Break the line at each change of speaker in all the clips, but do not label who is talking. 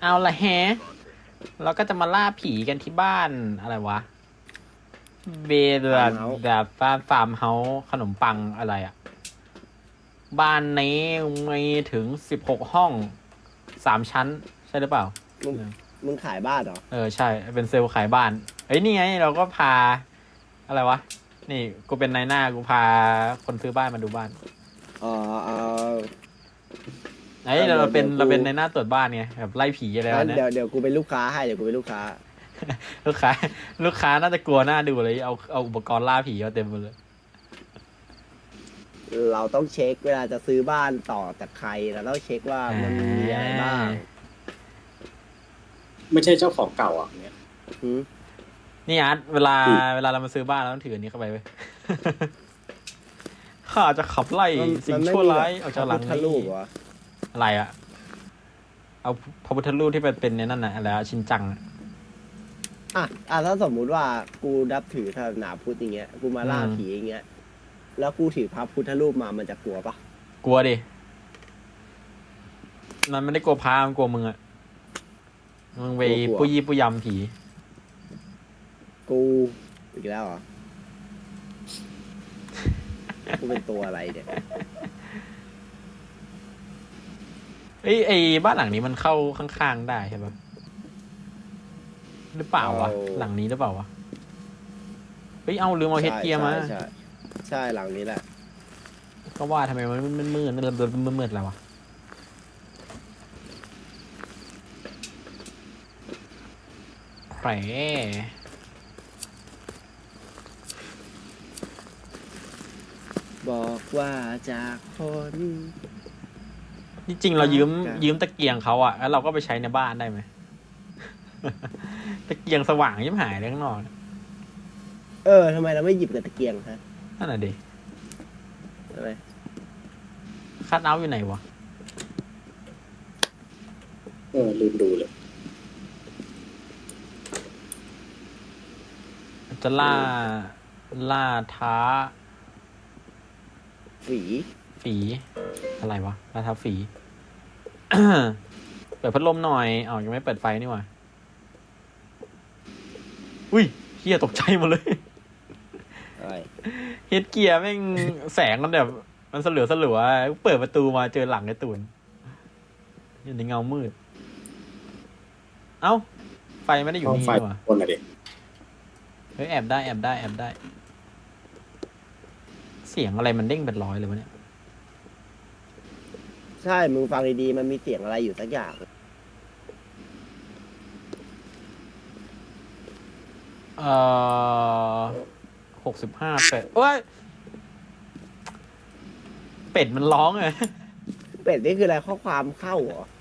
เอาละแฮะเราก็จะมาล่าผีกันที่บ้านอะไรวะเบลแบบฟาร์มเฮาส์ขนมปังอะไรอะบ้านนี้มีถึง16 ห้อง3 ชั้นใช่หรือเปล่า
มึงมึงขายบ้านเหรอ
ใช่เป็นเซลล์ขายบ้านนี่ไงเราก็พาอะไรวะนี่กูเป็นนายหน้ากูพาคนซื้อบ้านมาดูบ้าน
อ๋อ
เราเป็นนายหน้าตรวจบ้านไงแบบไล่ผีอะไรวะ
งั้น
เนี่ย
เดี๋ยวกูเป็นลูกค้าให้เดี๋ยวกูเป็นลูกค้า
ลูกค้าลูกค้าน่าจะกลัวหน้าดูเลยเอาอุปกรณ์ล่าผีมาเต็มหมดเลย
เราต้องเช็คเวลาจะซื้อบ้านต่อจากใครเราต้องเช็คว่ามันมีอะไรบ้าง
ไม่ใช่เจ้าของเก่าอ่ะเนี่ย
หืม
นี่อาร์ตเวลาเรามาซื้อบ้านเราต้องถืออันนี้เข้าไปเว้ย ข้าจะขับไล่สิ่งชั่วร้ายออกจากหลัง
พระพุทธรู
นี้
ปเหรอ
อะไรอะเอาพระพุทธรูปที่เป็นในนั่นน่ะอะไรชินจังอะ
ถ้าสมมุติว่ากูนับถือศาสนาพุทธอย่างเงี้ยกูมาล่าผีอย่างเงี้ยแล้วกูถือพระพุทธรูปมามันจะกลัวปะ
กลัวดิมันไม่ได้กลัวพามันกลัวมึงอะมึงไปปุยยี่ปุยยำผี
กูอีกแล้วเหรอกูเป็นตัวอะไรเนี่ย
ไอ้บ้านหลังนี้มันเข้าข้างๆได้ใช่ปะหรือเปล่าวะหลังนี้หรือเปล่าวะเอาลืมเอาเฮดเกียร์มา
ใช่หลังนี้แหละ
ก็ว่าทำไมมันมืดแล้ววะแผล
บอกว่าจากคน
ที่จริงเรายืมตะเกียงเขาอะแล้วเราก็ไปใช้ในบ้านได้ไหม ตะเกียงสว่างยิ่งหายเลยข้างนอก
ทำไมเราไม่หยิบกับตะเกียงฮะ
นั่นน่ะดิ
อะไร
คัทเอาท์อยู่ไหนวะ
ลืมดูเลย
จะล่าท้า
ฝี
อะไรวะล่าท้าฝี เปิดพัดลมหน่อยยังไม่เปิดไฟนี่หว่าอุ้ยเฮียตกใจหมดเลย
อะไร
เฮดเกียร์แม่งแสงมันแบบมันสลัวเปิดประตูมาเจอหลังไอ้ตูนอยู่ในเงามืดเอ้าไฟไม่ได้อยู่นี่
ไฟ
หว่า
คนละเด็ก
เฮ้ยแอบได้เสียงอะไรมันเด้งเป็นร้อยเลยวะเนี่ย
ใช่มึงฟังดีๆมันมีเสียงอะไรอยู่สักอย่าง
65เป็ดเอ้ยเป็ดมันร้องเลย
เป็ดนี่คืออะไรข้อความเข้าเหรอ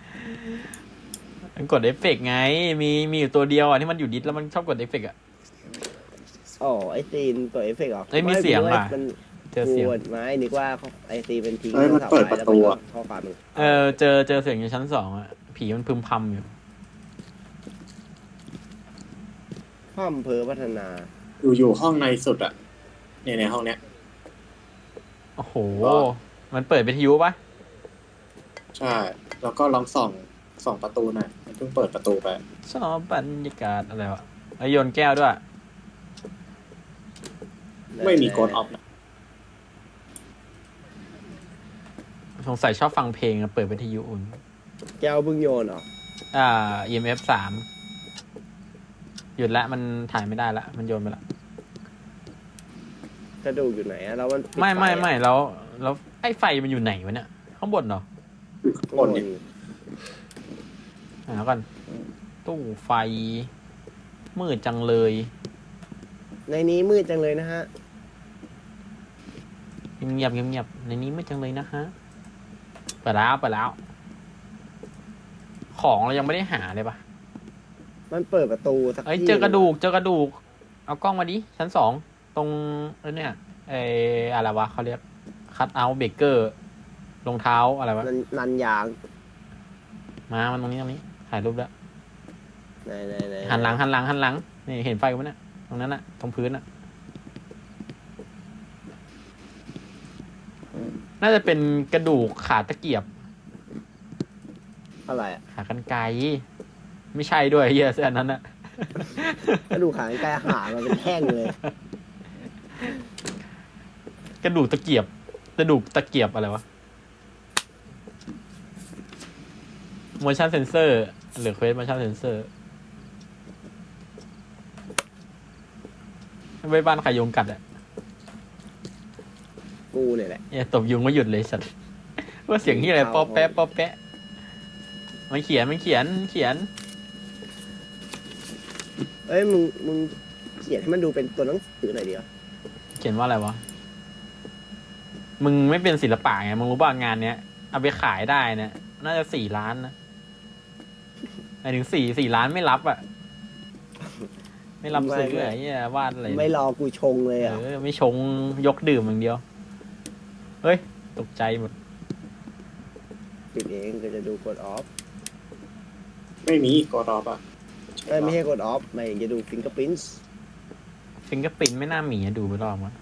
มันกดเอฟเฟกต์ไงมีอยู่ตัวเดียวอ่ะที่มันอยู่ดิสแล้วมันชอบกดเอฟเฟกต์อ่ะ
อ๋อไอซีนตัวเอฟเฟกต์เหรอ
เฮ้ยมีเสียงว่ะ
มัน
เจอเสียง
ไม่นึกว่าไอซีเป็นทิ้ง
มันเปิดประตูอ่ะ
ข้อความมึง
เจอเสียงอยู่ชั้น 2อ่ะผีมันพึมพำอยู่
พ่อมเพอพัฒนา
อยู่ห้องในสุดอ่ะในห้องเนี้ย
โอ้โหมันเปิดวิทยุปะ
ใช่แล้วก็ลองส่องประตูหน่อยมันเพิ่งเปิดประตูไป
ชอบบรรยากาศอะไรวะโยนแก้วด้วย
ไม่มีโกดออฟนะ
สงสัยชอบฟังเพลงอะเปิดวิทยุอุ่น
แก้วบึ้งโยนเหรอ
EMF 3หยุดละมันถ่ายไม่ได้ละมันโยนไปละ
กระดูกอยู่ไหนอะแล้วมันปิด
ไม่
ฟอะ
แล้วไอ้ไฟมันอยู่ไหนวะเนี่ยข้างบนเหรอ
ข้างบนเนี่ย
หาก่อนตู้ไฟมืดจังเลย
ในนี้มืดจังเลยนะฮะ
เงียบในนี้มืดจังเลยนะฮะเปิดแล้วของเรายังไม่ได้หาเลยปะ
มันเปิดประตูสักที่
เจอกระดูกเอากล้องมาดิชั้น 2ตรงเนี่ยอะไรวะเขาเรียกคัทเอาท์เบเกอร์รองเท้าอะไรวะ
นันยาง
มันตรงนี้ถ่ายรูปแล้ว
ไหน
หันหลังนี่เห็นไฟมั้ยเนี่ยตรงนั้นน่ะตรงพื้นน่ะน่าจะเป็นกระดูกขาตะเกียบ
อะไรอะ
ขากรรไกรไม่ใช่ด้วยเฮียเสื้อนั้นอะ
กระดูกขากรรไกรหามาเป็นแท่งเลย
กระดูกตะเกียบอะไรวะ motion sensor หรือ quest motion sensor ไว้บ้านใครยุงกัดอะ
กูเนี่ยแหละ
เนี่ยตบยุงไม่หยุดเลยสัตว์ ว่าเสียงที่อะไรป๊อปแป๊ะป๊อปแป๊ะมันเขียน
เอ้ยมึงเขียนให้มันดูเป็นตัวหนังสือหน่อยเดียว
เขียนว่าอะไรวะ มึงไม่เป็นศิลปะไง มึงรู้ป่ะงานเนี้ย เอาไปขายได้เนี่ย น่าจะ4 ล้านนะหมายถึงสี่ล้านไม่รับอ่ะ ไม่รับซื้ออะไรเนี่ยวาดอะไร
ไม่รอกูชงเลยอ่ะ
ไม่ชงยกดื่มอย่างเดียว เฮ้ย ตกใจหมด
ปิดเองก็จะดูกดออฟ
ไม่มีกดออฟอ่ะ
เอ้ยไม่ใช่กดออฟไม่จะดูฟิงเกอร์พิ้นส์
ฟิงเกอร์ปินไม่น่ามีอะดูไปรอบมั้ง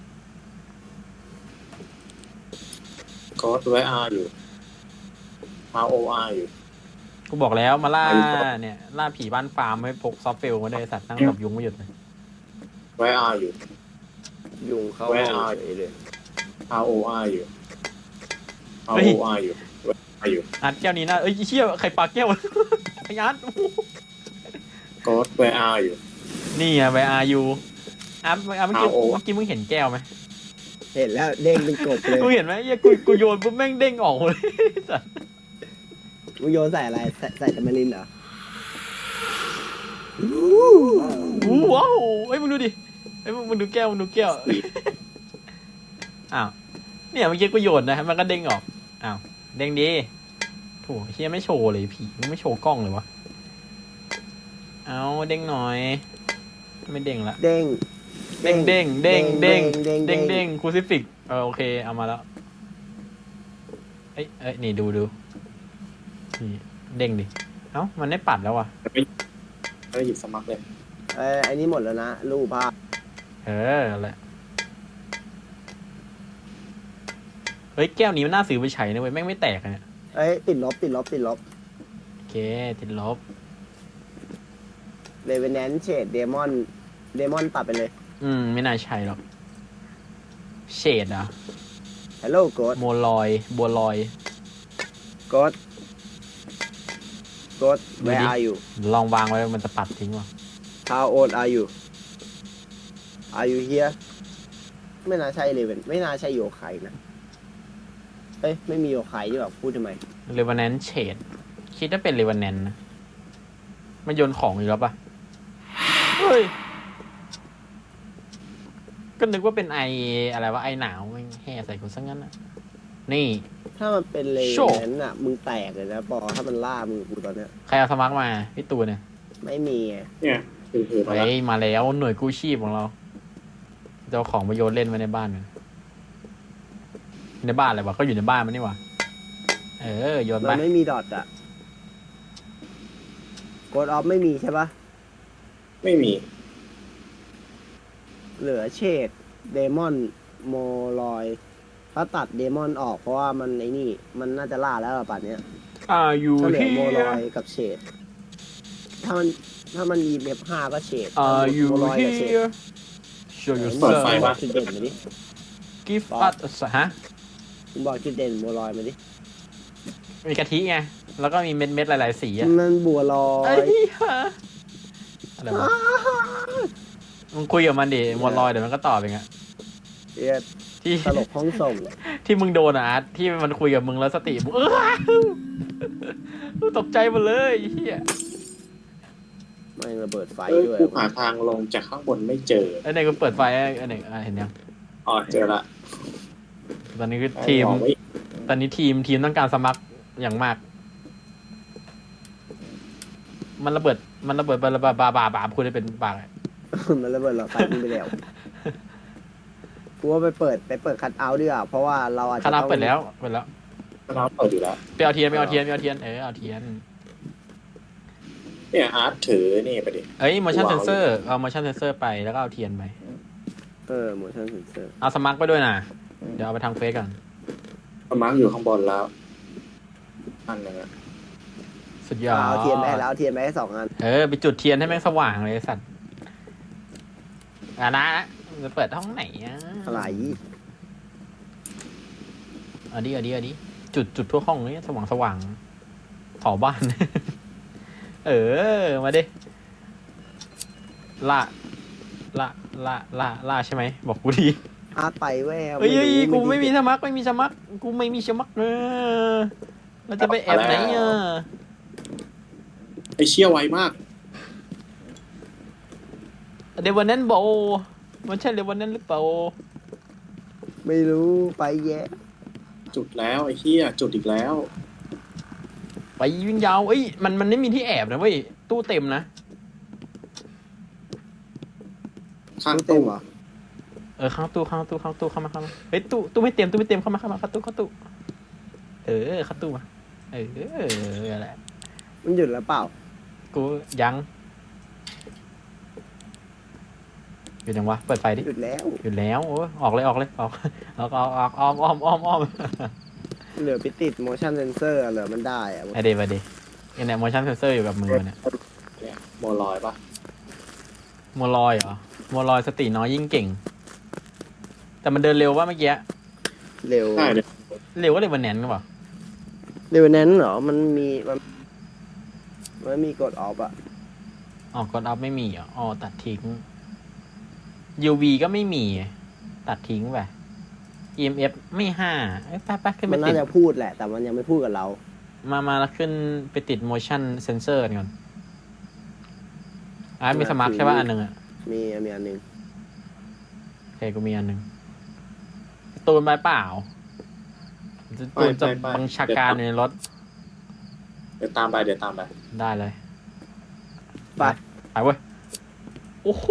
กดไว้ R อยู่ ROR อยู่
กูบอกแล้วมาล่าเนี่ย ล่าผีบ้านฟาร์มให้พกซอฟต์เฟลมาได้สัตว์นั่งกับยุงไม่หยุดเลย
ไว้ R อยู่
ยุงเข้า
แวะ
ห้อง
เอา
เฉยเลย
ROR อยู่ ROR อยู่ไว้ R อยู่
อัดแก้วนี้นะเอ้ยเชี่ยใครปากแก้ว ไอ้อัด
กดไว้ R อยู่
นี่ไงไปอายูอัพเมื่อกี้
RO
มึงเห็นแก้วไหม
เห็นแล้วเด้งเป็นกบเลย
มึงเห็นไหมเหี้ยกูโยนปุ๊บแม่งเด้งออกเลย สัส
มึงโยนใส่อะไรใส่ตะมารินเหรอ
ว้าวเฮ้ยมึงดูดิเฮ้ยมึงดูแก้วอ้าวเนี่ยเมื่อกี้กูโยนนะมันก็เด้งออกอ้าวเด้งดีโถ่เฮียไม่โชว์เลยผีมึงไม่โชว์กล้องเลยวะเอาเด้งหน่อยไม่เด้งละ
เด้ง
เด้งคูซิฟิกโอเคเอามาแล้วเอ้ยนี่ดูนี่เด้งดิเอ้ามันไม่ปัดแล้วว่ะ
ไม่หยิบสมัครเลย
ไอ้นี่หมดแล้วนะรูปภาพ
แหละเฮ้ยแก้วนี้มันน่าซื้อไปใช้นะเว้ยแม่งไม่แตกอะเนี่ย
เอ้ยติดลบ
โอเคติดลบ
เรเวนแนนเชดเดมอนตัดไปเลย
ไม่น่าใช่หรอกเชดอะ
ฮัลโหลโกด
บัวลอย
โกด where are you
ลองวางไว้มันจะปัดทิ้งว่ะ
how old are you here ไม่น่าใช่เลยไม่น่าใช่โยไคนะเอ้ยไม่มีโยไคที่แบบพูดทำไม
เรวานแนนเชดคิดว่าเป็นเรวานแนนนะมันโยนของอยู่แล้วปะเฮ้ยก็นึกว่าเป็นไออะไรวะไอหนาวไม่แห่ใส่กูซะงั้นอะนี่
ถ้ามันเป็นเล
โชว์
นั้นอ่ะมึงแตกเลยนะปอถ้ามันล่ามึงกูตอนเนี้ย
ใครเอาสมัครมาพี่ตูนเนี่ย
ไม่มีไง
เนี่ยถือมา
เฮ้
แล้ว
ยมาแล้วหน่วยกู้ชีพของเราจะเอาของมาโยนเล่นไว้ในบ้านกันในบ้านอะไรวะก็อยู่ในบ้านมันนี่หว่าโยนไป
มันไม่มีดอทอ่ะกดออฟไม่มีใช่ปะ
ไม่มี
เหลือเชดเดมอนโมลอยถ้าตัดเดมอนออกเพราะว่ามันไอ้นี่มันน่าจะล่าแล้วอะป่านเนี้ย
อยู่
ก็เหลือ
ที่
โมลอยกับเชดถ้ามันมีเมฟ5ก็เชด
อยู่
โมลอย
ที่
กับเชด
show
มึง
yourself
บอกจุดเด่นมาดิ
give us ฮะ
มึงบอกจุดเด่นโมลอยมาดิ
มีกะทิไงแล้วก็มีเม็ดหลายๆสีอะ
มันบัวลอ
เอ้
ย
ยฮะอะไรวะมึงคุยกับมันดิมวนลอยเดี๋ยวมันก็ตอบเองอะ
เหี้ย
ที่
ตลกห้องส่ง
ที่มึงโดนอะอาร์ตที่มันคุยกับมึงแล้วสติมึงตกใจหมดเลยไอ้เฮีย
ไม่งระเบิดไฟ
เอ้ย
ด้วย
กูหาทางลงจากข้างบนไม่เจอ
ไอ้ไหนกูเปิดไฟไอ้ไหนเห็นยัง
อ๋อเจอละ
ตอนนี้คือทีม
มองไม่
ตอนนี้ทีมต้องการสมัครอย่างมาก มันระเบิดบาคุณได้เป็นบาอะไร
มันระเบิดหลอดไฟมึงไปแล้วกูว่าไปเปิดคัทเอาท์ดีกว่าเพราะว่าเราอาจจะ
คณะ
ต้อง
เปิดแล้ว
เราเปิดอยู่แล้ว
ไปเอาเทียนเอาเทียนเอาเทียน
เนี่ยอาร์ตถือนี่ไปดิ
เอ้ย motion sensor เอา motion sensor ไปแล้วก็เอาเทียนไป
motion sensor
เอาสมัครไปด้วยนะเดี๋ยวเอาไปทางเฟซก่อน
สมัครอยู่ข้างบนแล้วอันหนึงอะ
สุดยอด
เอาเทียนไปให้แล้วเอาเทียนไปให้2 อัน
ไปจุดเทียนให้แม่งสว่างเลยไอ้สัตว์นะจะเปิดห้องไหนอ่ะ
อะไร
เอาดิจุดทั่วห้องนี้สว่างเผาบ้าน มาดิล่าใช่ไหมบอกกูดี
อาร์ตไปแวว
เฮ้ยกูไม่มี
รู้
สมัครกูไม่มีสมัครเราจะไปแอบไหนอ่ะ
ไอเชี่ยไวมาก
เดวันนั้นโบมันใช่เดวันนั้นหรือเปล่า
ไม่รู้ไปแย่
จุดแล้วไอ้เหี้ยจุดอีกแล้ว
ไปวิ่งยาวมันไม่มีที่แอบนะเว้ยตู้เต็มนะ
ข้าง
เต็
ตู้
มเหรอ
ข้างตู้เข้ามาเฮ้ยตู้ไม่เต็มเข้ามาเข้าตู้เข้าตู้เข้าตู้มาอะไร
มันหยุดแล้วเปล่า
กูยังอยู่ยังวะเปิดไฟดิ
หยุดแล้ว
อยู่แล้วโอ้ออกเลยออกอ้อม
เหลือไปติด motion sensor เหลือมันได้อะ
ไอเดไปดิเนี่ย motion sensor อยู่กับมือเนี่ย
เนี่ยโมลอยปะ
โมลอยเหรอโมลอยสติน้อยยิ่งเก่ง แต่มันเดินเร็วว่าเมื่อกี้
เร็ว
ใช่เนี่ย
เร็วก็เลยวันแนนก็เปล่า
เร็วนั้นเหรอมันมีกดออฟอะ
กดอัพไม่มีอ๋อตัดทิ้ง UV ก็ไม่มีตัดทิ้งไป EMF ไม่5ไปขึ้น
มั
ไป
น
ติ
น่า
ด
จะพูดแหละ แต่มันยังไม่พูดกับเรา
มาแล้วขึ้นไปติด motion sensor ก่อนมีสมาร์ทใช่ป่ะอันหนึ่งอ่ะ
มีอันหนึ่ง
โอเคกูมีอันหนึ่งตูนไปเปล่าตูนจะบังชาการในรถ
เดี๋ยวตามไป
ไป
ได้เลยไปเว้ยโอ้โห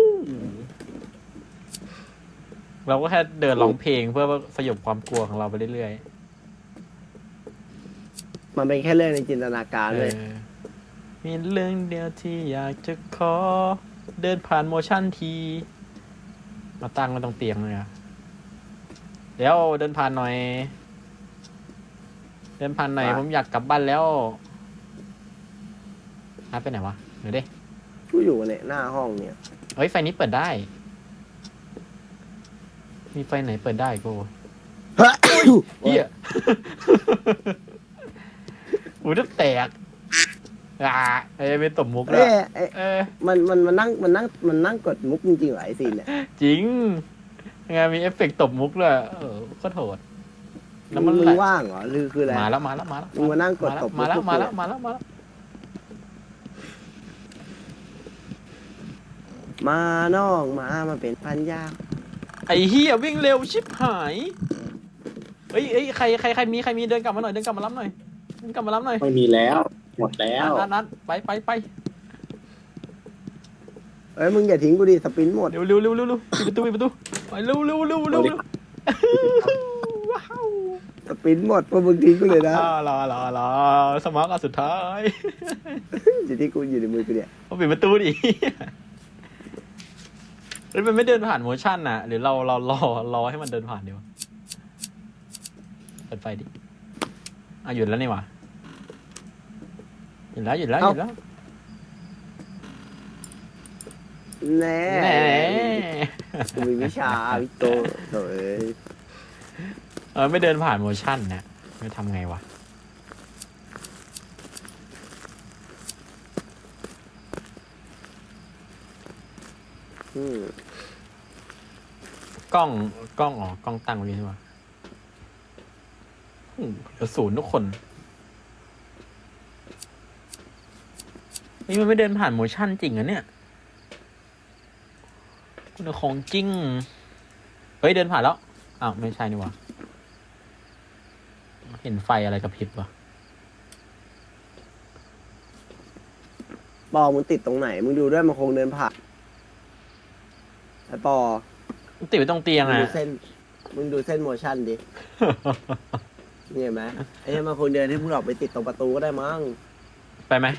เราก็แค่เดินร้องเพลงเพื่อสยบความกลัวของเราไปเรื่อย
มันเป็นแค่เรื่องในจินตนาการเลย
มีเรื่องเดียวที่อยากจะขอเดินผ่านโมชั่นทีมาตั้งไว้ตรงเตียงเลยเดี๋ยวเดินผ่านหน่อยผมอยากกลับบ้านแล้วไปไหนวะเดี๋ยวดิ
กูอยู่เนี่ยหน้าห้องเนี่ย
เฮ้ยไฟนี้เปิดได้ มีไฟไหนเปิดได้กูเฮียหูจะแตกไม่ตบมุกแล้ว
มันนั่งกดมุกจริงๆเหรอไอซีนเนี่ย
จริงไงมีเอฟเฟกต์ตบมุกเลยก็โถดแล้วมัน
มึงว่างเหรอหรือคืออะไร
มาแล้ว
มึงมานั่งกดตบมุก
มาแล้ว
มาน้องมาเป็นพันยา
ไอ้เฮียวิ่งเร็วชิบหายเฮ้ยใครมีเดินกลับมาหน่อยเดินกลับมารับหน่อย
ไม่มีแล้ว หมดแล้ว
นัดไป
เอ้ยมึงอย่าทิ้งกูดิสปินหมด
เร็วปิดประตูไปเร็วว้าว
สปินหมดเพราะมึงทิ้งกูเลยนะ
รอสมาร์ทอันสุดท้าย
อยู่ที่กูอยู่ในมือกูเนี่ย
เอาปิดประตูดิเฮ้ยมันไม่เดินผ่านโมชั่นน่ะหรือเรารอให้มันเดินผ่านดีวะเปิดไฟดิหยุดแล้วนี่หว่าหยุดแล้ว
แน่กูมีวิชาวิโต
ไม่เดินผ่านโมชั่นนะไม่ทำไงวะกล้องกล้องตั้งไว้ใช่ไหมเหลือ0ทุกคนนี่มันไม่เดินผ่านโมชั่นจริงอะเนี่ยคุณของจริงเฮ้ยเดินผ่านแล้วอ้าวไม่ใช่นี่วะเห็นไฟอะไรกระพริบวะ
ปอมึงติดตรงไหนมึงดูด้วยมันคงเดินผ่านไอ้ปอ
ติดไว้ตรงเตียง
มึง
อะ
ดูเส้นโมชั่นดินี่เห็นไหมไอ้เนี่ยมันคงเดินให้มึงออกไปติดตรงประตูก็ได้มั้ง
ไปไหม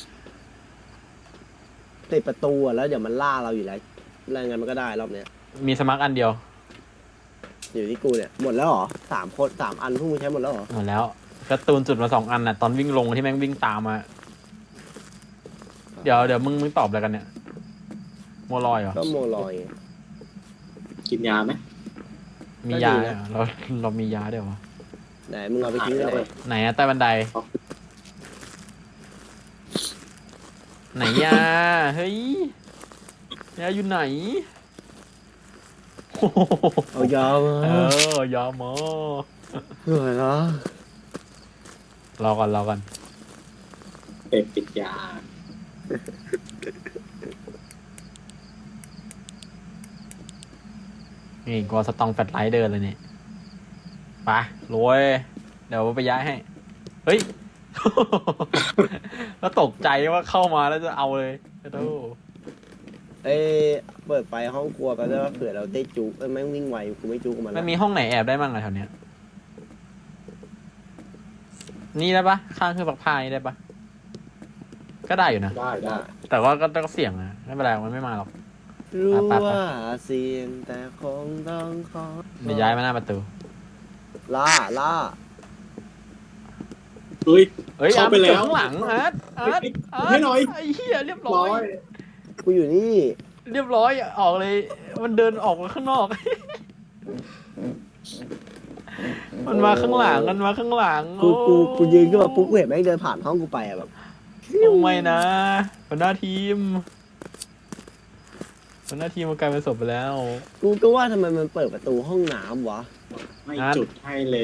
ติดประตูอ่ะแล้วเดี๋ยวมันล่าเราอยู่แล้วอะไรงั้นมันก็ได้รอบเนี้ย
มีสมาร์ทอันเดียว
อยู่ที่กูเนี่ยหมดแล้วเหรอ3 อันพวกมึงใช้หมดแล้วเหรอ
หมดแล้วการ์ตูนจุดมา2 อันน่ะตอนวิ่งลงที่แม่งวิ่งตามมาเดี๋ยวมึงตอบอะไรกันเนี่ยโมลอยเหรอ
ก็โมลอยไง
กินยาไหม
มียาเนี่ยเหรอเรามียาด้วยวะ
ไหนมึงเอาไปทิ้งไว้ไหน
ไหนอะใต้บันได ไหนยาเฮ้ยยาอยู่ไหนโอ้โห
เอายามา
ยามา
เหนื่อยละ
รอก่อน
เป็ดติดยา
นี่กอสตองแฟลชไลท์เดินเลยเนี่ยไปรวย เดี๋ยวไปย้ายให้ เฮ้ย แล้วตกใจว่าเข้ามาแล้วจะเอาเลยโธ่
เอ้ยเปิดไฟห้องครัวไปได้ว่าเผื่อเราได้จุกแม่งวิ่งไวกูไม่จุกกับมัน
มันมีห้องไหนแอบได้บ้างอะแถวเนี้ย นี่ได้ปะข้างเครื่องซักผ้านี่ได้ปะก็ได้อยู่นะ
ได้
แต่ว่าก็เสี่ยงนะไม่เป็นไรมันไม่มาหรอก
รู้
ไป
ว่าเสียงแต่คงต้องขอ
เดี๋ยวย้ายมาหน้าประตู
ล่า
เฮ้ย
เอ้ย
เข้าไปแล้ว
ข้างหลังอาร์ต
ให้หน่อย
ไอ้เหี้ยเรียบร้
ร้
อ
อย ย
กูอยู่นี่
เรียบร้อยออกเลย มันเดินออกมาข้างนอก มันมาข้างหลัง
กูยืนขึ้นมาปุ๊บกูเห็นแม่งเดินผ่านห้องกูไปอะแบบ
โอ้ไม่นะหัวหน้าทีมมันกลายเป็นศพไปแล้ว
กูก็ว่าทำไมมันเปิดประตูห้องน้ำวะ
ไม่จุดให้เลย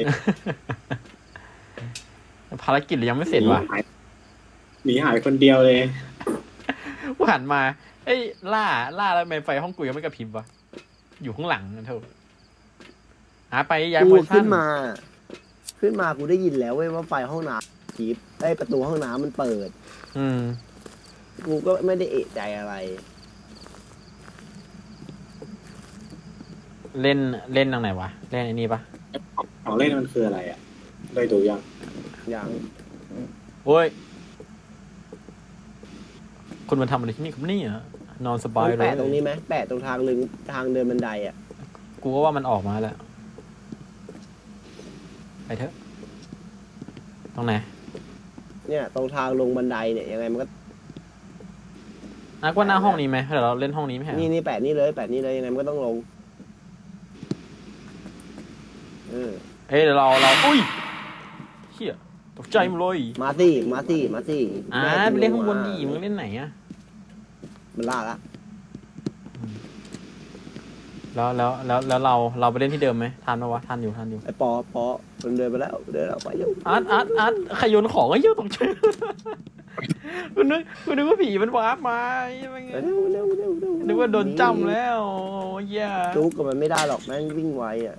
ภารกิจเรายังไม่เสร็จว่ะ
หนีหายคนเดียวเลย
กูหันมาเอ้ยล่าแล้วทำไมไฟห้องกูยังไม่กระพริบวะอยู่ข้างหลังนะเถอะหาไปย้าย
กู
โพชั่
ขึ้
น
นมากูได้ยินแล้วเว้ยว่าไฟห้องน้ำจีบประตูห้องน้ำมันเปิด
อืม
กูก็ไม่ได้เอะใจอะไร
เล่นทางไหนวะเล่นไอ้นี่ปะ
ของเล่นมันคืออะไรอ่ะ ได้ดูยัง
อย่าง
โอ้ยคุณมาทำอะไรที่นี่ครับเนี่ยนอนสบายเลย
แปะตรงนี้ไหมแปะตรงทางเดินบันไดอ่ะ
กูก็ว่ามันออกมาแล้วไปเถอะตรงไหน
เนี่ยตรงทางลงบันไดเนี่ยยังไงมันก็
นักว่าหน้าห้องนี้ไหมเดี๋ยวเราเล่นห้องนี้ไหมฮะ
นี่แปะนี่เลยยังไงมันก็ต้องลงเออ
เอ้ยเดี๋ยวเราอุ้ยเฮียตกใจหมดเลย
มาสิ
ไปเล่นข้างบนดิมึงเล่นไหนอะ
มันล่าละ
แล้วเราไปเล่นที่เดิมไหมทันปะวะทันอยู่
ไอ้ปอมันเดินไปแล้วไปเร็ว
อาร์ตใครโยนของไอ้เหี้ยตกใจกูนึกว่าผีมันวาร์ปมาอะไรเงี้ย
เร็ว
นึกว่าโดนจ้ำแล้วเหี้ย
จุกกับมันไม่ได้หรอกแม่งวิ่งไวอ่ะ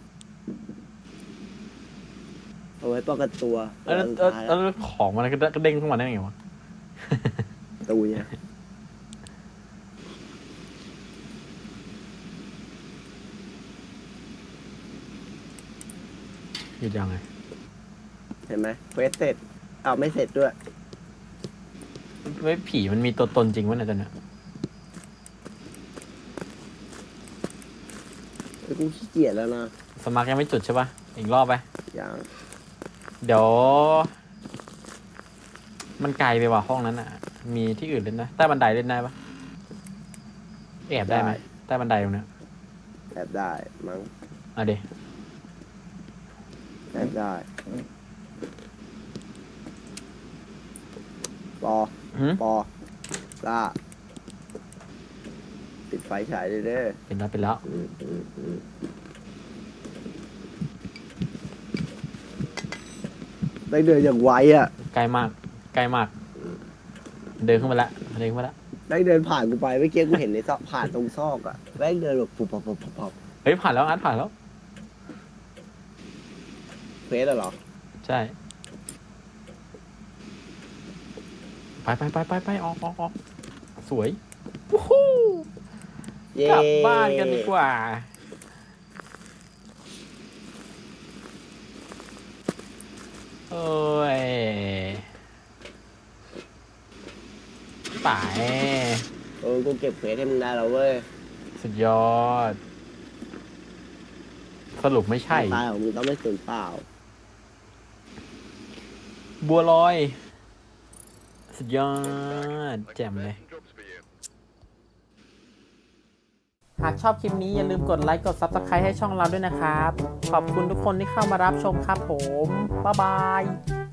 เอาไว้ป้องกันตัว
แล้วของมันก็เด้งขึ้นมาได้ไงวะ
ตูเนี่ย
หยุดยังไง
เห็นไหมเควสเสร็จไม่เสร็จด้วย
เว้ยผีมันมีตัวตนจริงวะเนี่ยตอนเนี้ย
กูขี้เกียจแล้วนะ
สมัครยังไม่จุดใช่ปะอีกรอบไป
อย่าง
เดี๋ยว มันไกลไปว่ะห้องนั้นอ่ะ มีที่อื่นเล่นได้ใต้บันไดเล่นได้ปะแอบได้ไหมใต้บันไดตรงเนี้ย
แอบได้มั้ง
อ่ะเดี๋ยว
แอบได้ปอล่าปิดไฟฉายเลยเด้อ
เป็นแล้ว
ได้เดินอย่างไวอ่ะ
ใกล้มาก เดินขึ้นมาละ
ได้เดินผ่านกูไปเมื่อกี้กูเห็นในซอกผ่านตรงซอกอ่ะได้เดินแบบปุบปับ
เฮ้ยผ่านแล้วอาร์ตผ่านแล้ว
เฟสเหรอ
ใช่ ไปออกสวยวู้ฮู้
เย้
กลับบ้านกันดีกว่าโอ้ยไป
กูเก็บเฟสให้มึงได้แล้วเว้ย
สุดยอด สรุปไม่ใช่
ตายของมึงต้องไม่สูญเปล่า
บัวลอย สุดยอด แจ่มเลย
Messenger
หากชอบคลิปนี้อย่าลืมกดไลค์กด Subscribe ให้ช่องเราด้วยนะครับ ขอบคุณทุกคนที่เข้ามารับชมครับผม บ๊ายบาย